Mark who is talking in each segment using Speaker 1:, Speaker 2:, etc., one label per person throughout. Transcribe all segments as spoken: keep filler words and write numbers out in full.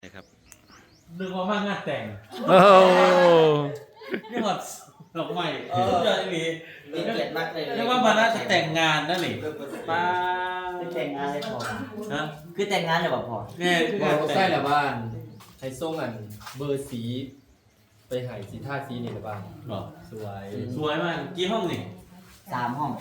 Speaker 1: ครับ
Speaker 2: นึกว่ามางานแต่ง
Speaker 1: โอ้
Speaker 2: นี่หมดดอกใหม่เออเจออีหลี
Speaker 3: มีเกียรติมากเลย
Speaker 2: เรียกว่ามาน่าจะแต่งงานนั่นหนิป้า
Speaker 3: คือแต่งงานเลยพอ
Speaker 2: ฮะ
Speaker 3: คือแต่งงานเลยบ่พอ
Speaker 2: แม่คือ
Speaker 4: บอก
Speaker 2: การ
Speaker 4: ว่า
Speaker 2: แต่
Speaker 4: ใส่
Speaker 2: ง
Speaker 4: ละบ้านให้ส่งอันเบอร์สี ไปใหายสีท่าสีนี่ละบ้าน
Speaker 2: หรอ
Speaker 4: สวย
Speaker 2: สวยมากกี่ห้องนี่
Speaker 3: สามห้อง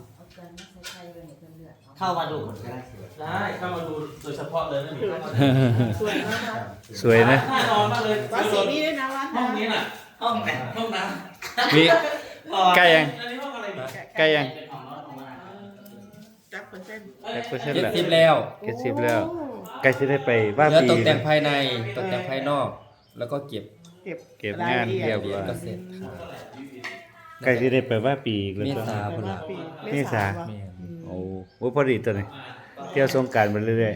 Speaker 3: เข้ามาดูคนก็ได้
Speaker 2: ได้เข้ามาดูโดยเฉพาะเลยนั่นหนิ
Speaker 5: สวยมากครับ
Speaker 1: สวยนะ
Speaker 2: น่านอนมากเลย
Speaker 5: วัดสีนี้ด้วยนะวัด
Speaker 2: ห้องนี้น่ะ
Speaker 3: ห้องไหน
Speaker 2: ห้องน้
Speaker 1: มีใกล้ยัง
Speaker 2: ำอันนี้ห้องอะไรนี่
Speaker 1: ใกล้ยัง
Speaker 3: เป็นห้องนอนของมัน
Speaker 5: จับเปอร์เซ็นต์
Speaker 1: แจ็คเปอร์เซ็นต์
Speaker 4: เจ็ด
Speaker 1: แล้ว
Speaker 4: สิบแล้ว
Speaker 1: เจ็ดสิบแล้วใกล้จะได้ไปว่า
Speaker 4: เหลือ
Speaker 1: ปี
Speaker 4: ตกแต่งภายในตกแต่งภายนอก แล้วก็เก็บ
Speaker 5: เก็บ
Speaker 1: เก็บงานเรียบร้อย
Speaker 4: ก็เสร็จค่ะ
Speaker 1: ใกล้จะได้ไปว่าปีอีกแล้ว
Speaker 4: เม
Speaker 1: ก็
Speaker 4: ษาพุ่นละ
Speaker 1: เมษา
Speaker 4: แม่น
Speaker 1: โอ้โหพอดีตัวนี้เที่ยวสงกรานต์ไปเรื่อย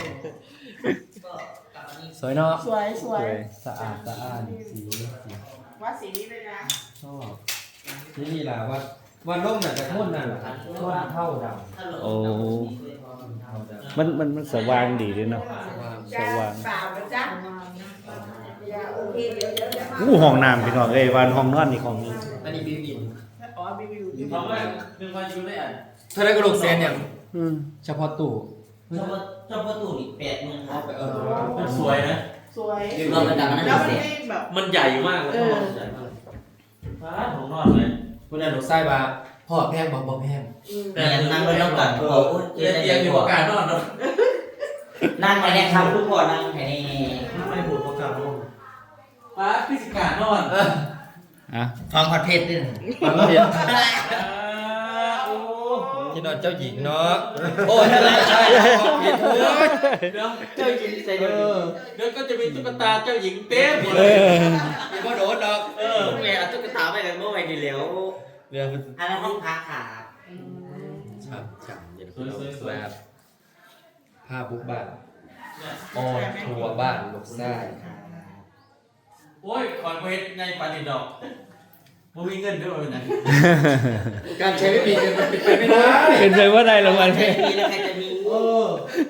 Speaker 4: สวยเนาะ
Speaker 5: สวยส
Speaker 1: ๆ
Speaker 5: วย
Speaker 1: สวย
Speaker 4: สะอาดสะอ้านสีสี
Speaker 5: วัดสีนี้ด้วยนะ
Speaker 4: ชอบนี่นี่ล่ะว่าวันร่มน่ะจะพ่นนั่นแหละพ่นเท่าดำ
Speaker 1: โอ้
Speaker 4: เท่าดำ
Speaker 1: มันมันมันสว่างดีด้วยเนาะ สว่าง
Speaker 5: เปล่านะจ๊ะอย่าโอเคเดี๋ยวเดี๋ยวเดี๋ยว
Speaker 1: อู้ห้องน้ำพี่น้องเอ้ยวานห้องนอนนี่ของนี้
Speaker 4: อันนี้บิวอิน
Speaker 5: อ๋อมีวิว
Speaker 2: ห้องแรกหนึ่งวันอยู่ได้อ่ะ
Speaker 4: เท่าไรก็ลงเซนอย่าง
Speaker 1: อืม
Speaker 4: เฉพาะตู้
Speaker 3: เจ้าเจ้าประตูนี่แปดหมื่นครับ
Speaker 4: เออ
Speaker 2: มันสวยนะ
Speaker 5: สวย
Speaker 3: รวมระดับนั้น
Speaker 5: แล้วมัน
Speaker 3: เสร็จ
Speaker 5: ไม่แบบ
Speaker 2: มันใหญ่มากเลยห้องใหญ่มากป้าห้องนอนเลย
Speaker 4: คุณอาหนูไส้บาพ่อแพงบอกบอกแพง
Speaker 5: อืม
Speaker 3: แต่นั่งไม่ต้องกัดโอ้โห
Speaker 2: เตียงเตียงอยู่ประกาศนอนเนาะ
Speaker 3: นั่งไปเนี่ยครับทุกคนนั่งแค่นี้
Speaker 2: ไม่พูดประกาศนอนป้าพิสิกานอน
Speaker 1: อ่ะ
Speaker 3: ฟังคอนเทนต์ด้วย
Speaker 4: ฟังเสียง
Speaker 2: โอ้
Speaker 4: ที่นอนเจ้าหญิงเนาะโอ้ยอะไรใช่ผิดโอ้ย
Speaker 2: เดี๋ยวเจ้าหญิงใส่เดี๋ยวเดี๋ยวก็จะมีตุ๊กตาเจ้าหญิงเต็มหมด
Speaker 1: เอ
Speaker 2: เลย
Speaker 1: อ
Speaker 4: มีพ่อโดดดอก
Speaker 2: เออ
Speaker 3: เมื่อเอาตุ๊กตาไปกันเมื่อไหร่ดีแล้ว
Speaker 4: เรื่องมัน
Speaker 3: อันนั้นห้องพักค่ะ
Speaker 4: ฉ่ำฉ่ำเย็นสวยสวยแบบผ้าบุกบ้านออนทัวร์บ้านลูกไส้
Speaker 2: โอ้ยขอนเวทในปานิดอกมึงมีเงินด้วยนะ
Speaker 4: การใช้ไม่มีเงินมันเป็นไปไม่ได้
Speaker 1: เป็นไปว่าได้รางวัล
Speaker 3: ใครมีแล้วใครจะมี
Speaker 4: เออ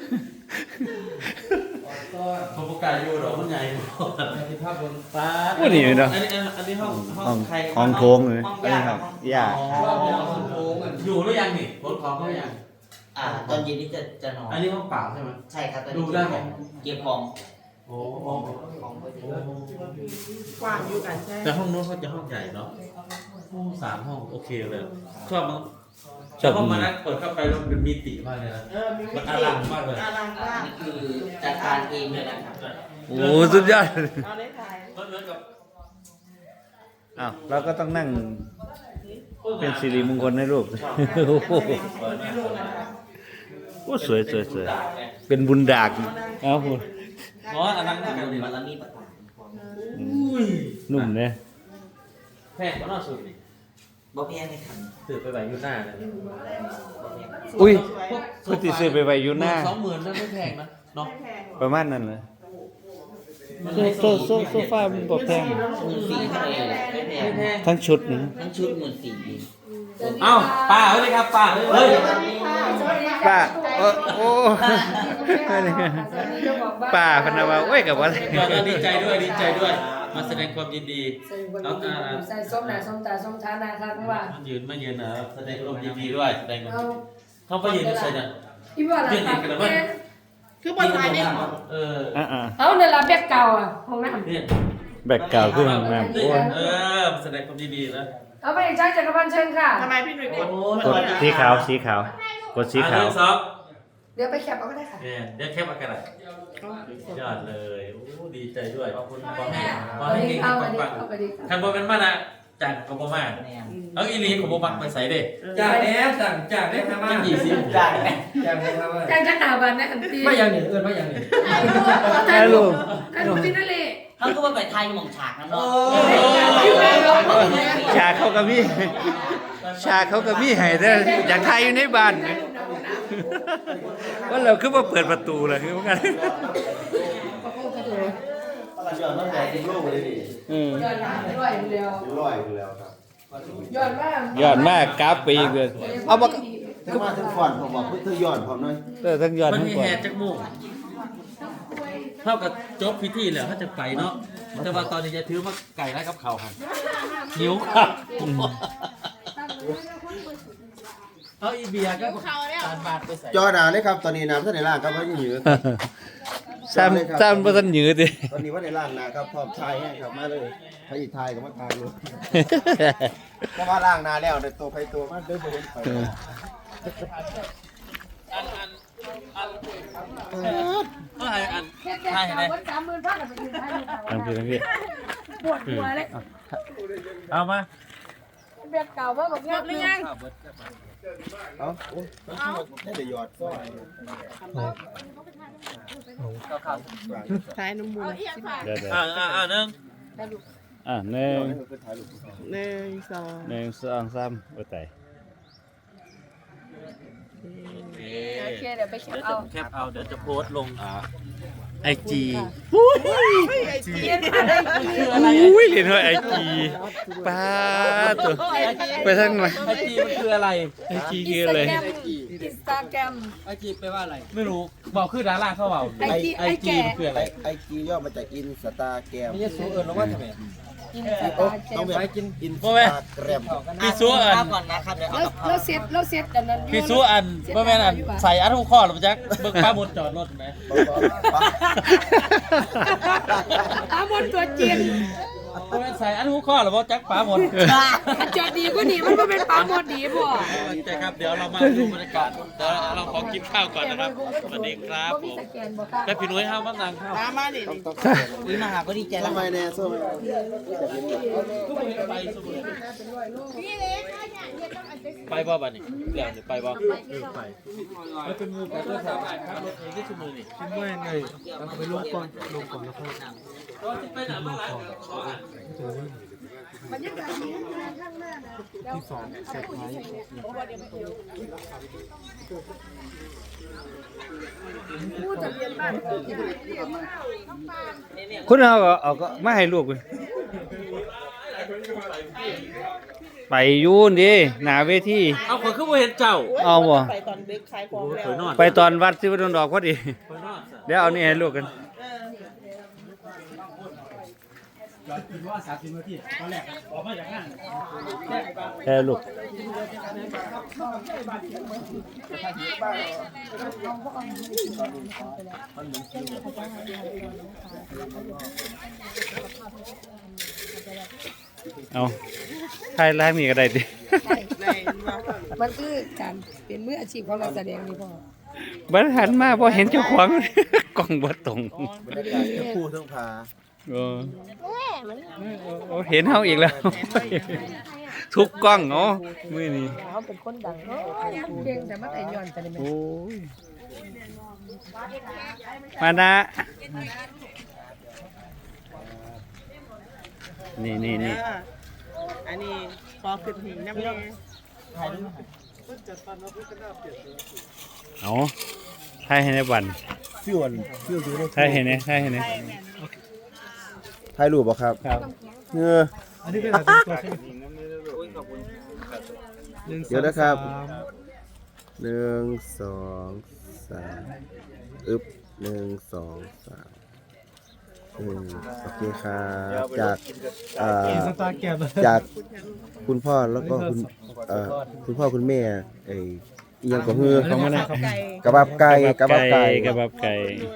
Speaker 2: ผมประกาศอยู่ดอกมันใหญ่
Speaker 4: ที่ภาพบน
Speaker 2: ป้า
Speaker 1: โอ้นี่เนาะ
Speaker 2: อันนี้อันนี้ห้องห้
Speaker 1: ห้
Speaker 2: อ
Speaker 1: อง
Speaker 2: งใคร
Speaker 1: ห้องโถงเลย
Speaker 3: ห้อง
Speaker 1: อัน
Speaker 3: ยา
Speaker 1: นี้ครับย่า
Speaker 2: อ๋อ
Speaker 4: โค้งอ่ะ
Speaker 2: อยู่หรือยังนี่รถของเขายัง
Speaker 3: อ่าตอนเย็นนี้จะจะนอน
Speaker 2: อันนี้ห้องเปล่าใช่ไหม
Speaker 3: ใช่ครับตอน
Speaker 2: ดู
Speaker 3: นี้
Speaker 2: ได้ไหม
Speaker 3: เก็บของ
Speaker 2: โอ้
Speaker 3: ของของไว้ที่
Speaker 5: กว้างอยู่กันใช่
Speaker 2: แต่ห้องนู้นเขาจะห้องใหญ่เนาะห้องสามห้องโอเคเลยชอบมั้ง
Speaker 1: ชอบ
Speaker 2: ห้องมานั่งเปิดเข้าไปแล้วมันมีติมากเลยนะ
Speaker 5: เออมีวิ
Speaker 2: มัน
Speaker 5: ธี
Speaker 2: อลังมากเลย
Speaker 5: อลังมาก
Speaker 3: นี่คือจัดการเองเลยนะครับ
Speaker 1: โอ้สุดยอด
Speaker 5: เอาได้ถ่าย
Speaker 2: มันเหมือนกับ
Speaker 1: อ้าวเราก็ต้องนั่งเป็นสิริมงคลให้ลูกโอ้โห
Speaker 5: ไม่รู้นะคะ
Speaker 1: โอ้สวยสวยสวยเป็นบุญดากเอ้าพูด
Speaker 2: เพราะว่าอลังมากกันเลย
Speaker 3: มันแล้วมีประตู
Speaker 2: อุ้ย
Speaker 1: นุ่มเนี่ย
Speaker 2: แพงกว่าน่าสุดนี่
Speaker 3: บ่แพงเลยครับ
Speaker 2: ถือไปไหวอยู่หน้าเลย
Speaker 3: บ่แพง
Speaker 1: อุ้ย
Speaker 2: พวก
Speaker 1: พุทธิซื้อไปไว้อยู่หน้า
Speaker 2: สองหมื่นนั่นไม่แพงนะเนาะ
Speaker 5: ไม่แพงหรอก
Speaker 1: ประมาณนั้นเลยโซโซโซโซฟามันบอกแพง
Speaker 3: หมื่นสี่เท่าไหร่ไม่แพ
Speaker 2: ไม่
Speaker 3: ง
Speaker 2: แพง
Speaker 1: ทั้งชุดนี้
Speaker 3: ทั้งชุดหมื่นสี่
Speaker 2: เอ้าป้าเฮ้ยครับป้าเฮ้ย
Speaker 1: ป้าโอ้โอ้ป้าพนาวาโอ้ยกับว่า
Speaker 2: ก็ดีใจด้วยดีใจด้วย มาแสดงความยินดี
Speaker 6: เอาตาใส่ส้มหนาส้มตาส้มทานาครับเพราะว่า
Speaker 2: มายืนมายืนนะแสดงความยินดีด้วยแสดงความ
Speaker 6: เอา
Speaker 2: เขาไปยืนอยู่ใส่เนี่ย
Speaker 6: อีบ่ล่ะครับ
Speaker 5: คือบนท้ายเนี่ย
Speaker 2: เออ
Speaker 1: อ่า
Speaker 6: เอาเนี่ยละแบบเก่าอ่ะห้องน้ำ
Speaker 2: เนี่ย
Speaker 1: แบกเก่าขึ้นห้องน้ำโอ้ย
Speaker 2: เออแสดงความยินดีนะ
Speaker 6: เอาไปใช้จักรพันธ์เชิญค่ะ
Speaker 5: ทำไมพี่หนุ่ยกด
Speaker 1: กดสีขาวสีขาวกดสีขาว
Speaker 2: ซอฟ
Speaker 6: เดี๋ยวไปแคปเอาก็ได้ค่ะ
Speaker 2: เนี่ยเดี๋ยวแคปอากาศยอดเลยโอ้ดีใจด้วยขอบคุณขอให้ขอ
Speaker 6: เอา
Speaker 2: ให้
Speaker 6: ไป
Speaker 2: เก่ง
Speaker 6: เอาไป
Speaker 2: ปัง
Speaker 6: ดิ
Speaker 2: ปัง
Speaker 6: เอาไปดิ
Speaker 2: ทางบนเป็นมานะจากกบมา
Speaker 3: แน่
Speaker 2: เอาอีลีของบมักไปใส่เด้
Speaker 4: จากแน่สั่งจากได้ทำมา
Speaker 2: ยี่สิบ
Speaker 3: ได้ไหม
Speaker 4: จากได้ทำมา
Speaker 6: แจ้งจักรบันนะอันตี
Speaker 4: ไม่ยังหนีเอินไม่ยังหนี
Speaker 6: ถ่ายรูปถ่ายรูปที่นั่นเลย
Speaker 3: เขาก็ว่าไปไทยหม่องฉากนั่นเนาะ
Speaker 1: ชาเขากับมี่ชาเขากับมี่ให้ได้อยากทายอยู่ในบ้านไหมว่าเราคือว่าเปิดประตูเลยคือว่ากัน
Speaker 7: ย้อนตั้งแต่ที่โลกเลยดิ
Speaker 1: อืม
Speaker 6: ย้อนมาด้วยเดียว
Speaker 7: ร้อยอยู่แล้วครับ
Speaker 6: ย้อนมาก
Speaker 1: ยอดมากกราฟไปอีกเลยเอามา
Speaker 7: ถ้ามาถึงก่อนผมบอกเพื่อย้อนผมหน่อย
Speaker 1: เออทั้งยอด
Speaker 2: มัน
Speaker 1: ทั้ง
Speaker 2: มี
Speaker 1: ก่อ
Speaker 2: แฮ
Speaker 1: น
Speaker 2: จากหมู่
Speaker 6: ท
Speaker 2: เท่ากับจบพิธีแล้วเขาจะไปเนาะแต่ว่าตอนนี้จะถือว่าไก่ไร้กับเขาครับหิวครับเอาอีเบียร์ก็การบาดไปใส่
Speaker 7: จอหนาเลยครับตอนนี้น้ำท่านในล่างครับเพราะยังอยู่
Speaker 1: ซ้ำซ้ำบ่ทันหยืดดิ
Speaker 7: ตอนนี้ว่าในล่างนะครับพร้อมทายให้ครับมาเลยพระอีทายกับมาทายเลยเพราะว่าล่างนาแล้วในตัวไฟตัวมาเดินไปเห็นไฟ
Speaker 2: อันอันอันเท่าไหร่อัน
Speaker 6: แค่แค่สามวันสามหมื่นพันไปยืนให้
Speaker 1: ทางพี่ทางพี่
Speaker 6: ปวดหัวเลย
Speaker 1: เอามา
Speaker 6: แบบเก่าว่าบอกเงินหรือยัง
Speaker 7: เอาโอ้ยได้แต่หยอดซ้อย
Speaker 5: ท้ายน้ำมูล
Speaker 1: เดี๋ยว
Speaker 2: อ่าอ่าอ่าหนึ่ง
Speaker 1: ๆอ่ะหนึ่ง
Speaker 5: หนึ่งสอง
Speaker 1: หนึ่งสองสามโอ้ตาย
Speaker 6: โอเคเดี๋ยวไปแคป
Speaker 2: เดี๋ยว
Speaker 6: เอา
Speaker 2: จะแคปเอาเดี๋ยวจะโพสต์ลงอ่าไอจี
Speaker 6: เทียนอะไร
Speaker 2: คืออะไร
Speaker 1: อุ้ยเรียนว่าไอจีป้าตัวไปทางไหน
Speaker 2: ไอจีมันคืออะไร
Speaker 1: ไอจีคืออะไร
Speaker 6: อินสตาแกรม
Speaker 2: ไอจีแปลว่าอะไร ไม่รู้บอกคือดาราเข้าเบา
Speaker 6: ไอจีไอแก่
Speaker 2: มันคืออะไร
Speaker 7: ไอจีย่อมาจากอินสตาแกรม
Speaker 2: ไม่ใช่สูเอิญหรือว่าทำไม
Speaker 6: อินสตา
Speaker 7: โอ้
Speaker 6: แกร
Speaker 7: ต้อง
Speaker 6: ม
Speaker 7: แบบอินสตาแกรม
Speaker 2: พี่ซูอัน
Speaker 3: ข้าวก่อนนะครับเดี๋ยวเอา
Speaker 6: แล้ว
Speaker 3: กับข้าว
Speaker 6: แล้วเซ็ตแล้วเซ็ตกันนั้น
Speaker 2: พี่ซูอันเมื่อแม่นอันใส่อันทุกข้อหรือจ๊ะเบิกป้าบนจอดรถไหม
Speaker 6: ตามบนตัวจีน
Speaker 2: เมื่อแม่นใส่อันทุกข้อหรือว่าจักป้าบน
Speaker 6: จอดดีก็ดีมันก็เป็นปลาหมดดีบ่
Speaker 2: ใช่ครับเดี๋ยวเรามาดูบรรยากาศเดี๋ยวเราขอกินข้าวก่อนนะครับสวัสดีครับผม
Speaker 6: สแกนบ่ค่ะ
Speaker 2: แม่พี่นุ้ยห้ามนั่งข้าว
Speaker 5: ตามมาดิ
Speaker 3: อุ้ยมาหาก็ดีใจแล้ว
Speaker 7: ทำไมแน่ส้ม
Speaker 2: ไปสมุนไปบ่บัดนี้เดี๋ยวไปบ่ไปแล้วเป็นมือกับตัวสามครับรถเองที่สมุนนี่
Speaker 4: ไม่ไงเราไปลงก่อนลงก่อนแล้วค่อย
Speaker 2: ก็จะไปไหนมาหลายขออ่าน
Speaker 6: บรรยากาศดีข้างหน้านะ
Speaker 4: ที่สองเซอร์ไพรส์
Speaker 6: ผู้ทะเบียนบ้าน
Speaker 1: คุณเอาก็เอาก็มาให้ลูกเลยไปยูนดิหนาเวที
Speaker 2: เอาคนขึ้นมาเห็นเจ้า
Speaker 1: เอาบ่
Speaker 5: ไปตอนเด็กขายของแล้ว
Speaker 2: สวยนอน
Speaker 1: ไปตอนวัดสิวดลดอกพอดี
Speaker 2: สวยนอน
Speaker 1: เดี๋ยวเอานี่ให้ลูกกัน แค่ลูกเอาถ่ายแรกนี่ก็ได้ดิ
Speaker 6: มันคือการเป็นมืออาชีพของเราแสดงนี่พ่อ
Speaker 1: บัดหันมาพอเห็นเจ้าของ กล้องบ่ตรง
Speaker 7: บรรยากาศทั้งคู่ทั้งพา
Speaker 1: เออโอ้เห็นเฮาอีกแล้ว ทุกกล้องเนาะมื้อนี้
Speaker 6: เขาเป็นคนดังเนาะเก่งแต่มันไอ้ย้อนแต่นี่มัน
Speaker 1: โอ้ยมานะนี่นี่นี่
Speaker 5: อันนี้ขอขึ้นหินน้ำแน่
Speaker 1: เอาถ่ายให้ในบัน
Speaker 7: พี่อ้วนพี่อ้วนดูได้
Speaker 1: ถ่ายให้ในถ่ายให้ใน
Speaker 7: ถ่ายรูปบ่ครับ
Speaker 1: ครับ
Speaker 7: เงือ
Speaker 4: อันนี้เป็นอะไรตัวใช่ไหม
Speaker 7: เดี๋ยวนะครับหนึ่งสองสามอึบหนึ่งสองสามอืมโอเคครับจากอ่า
Speaker 4: สตาร์แกม
Speaker 7: จากคุณพ่อแล้วก็คุณเอ่อคุณพ่อคุณแม่ไอ้อิหยังก็คือ
Speaker 1: ของมันนะ
Speaker 5: ไก่
Speaker 7: กระบับไก่กระบับไก่
Speaker 1: กระบับไก่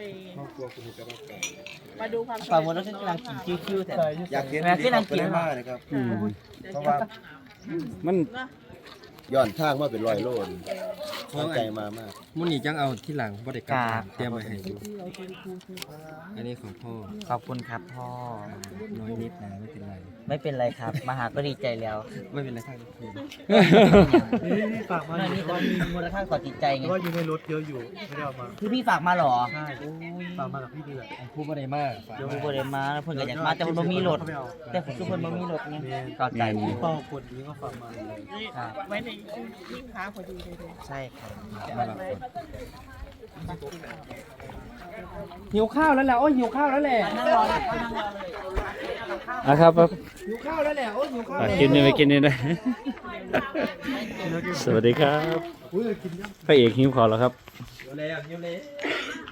Speaker 5: มาดูความ
Speaker 3: ฝั่งบนรถกำลังกินคิ้วๆแต่
Speaker 7: อยากเห็น
Speaker 3: แม่ขึ้นอังกฤษ
Speaker 7: ได้มากนะครับ
Speaker 1: อืม
Speaker 7: เพราะว่า
Speaker 1: มัน
Speaker 7: ย้อนทางมาเป็นร้อยโลนตั้งใจมามาก
Speaker 4: มุนี่จังเอาที่หลังบ่ได้กลับเตรียมไว้ให้ดูอันนี้ของพ่อ
Speaker 3: ขอบคุณครับพ่อ
Speaker 4: น้อยนิดนะไม่เป็นไร
Speaker 3: ไม่เป็นไรครับ มาหาก็ดีใจแล้ว
Speaker 4: ไม่เป็นไรครับคืน
Speaker 8: นี่ฝากมา
Speaker 3: นั่นนี่ก็มีมูลค่าต่อจิตใจไง
Speaker 8: ว่าอยู่ในรถเยอะอยู่ ไม่ได้เอามา
Speaker 3: คือพี่ฝากมาเหรอ
Speaker 8: ใช่ฝากมากับพี่นี่แหละ
Speaker 4: ผู้บ่ได้มากฝาก
Speaker 3: เดี๋ยว
Speaker 4: มา
Speaker 3: บริมาแล้วเพิ่นก็อยากมาแต่เพิ่นบ่มีรถ
Speaker 8: เขาไม่เอา
Speaker 3: แต่ผมทุกคนบ่มีรถไงก็ใจ
Speaker 8: พี่เป้าคนนี้ก็ฝากมาเลย
Speaker 3: ครับ
Speaker 5: ไว้ในยิ่งค้าพอดีเลย
Speaker 3: ใช่ครับ
Speaker 4: มารับคน
Speaker 2: หิวข้าวแล้วแหละโอ้ยหิวข้าวแล้วแหละ
Speaker 1: อ่ะครับครับ
Speaker 2: หิวข้าวแล้วแหละโอ้ยหิวข้าว
Speaker 1: ฝากกินนี่ไปกินนี่นะ สวัสดีครับพระเอกหิวขอแล้วครับ
Speaker 2: หิวเลยอ่ะหิวเลย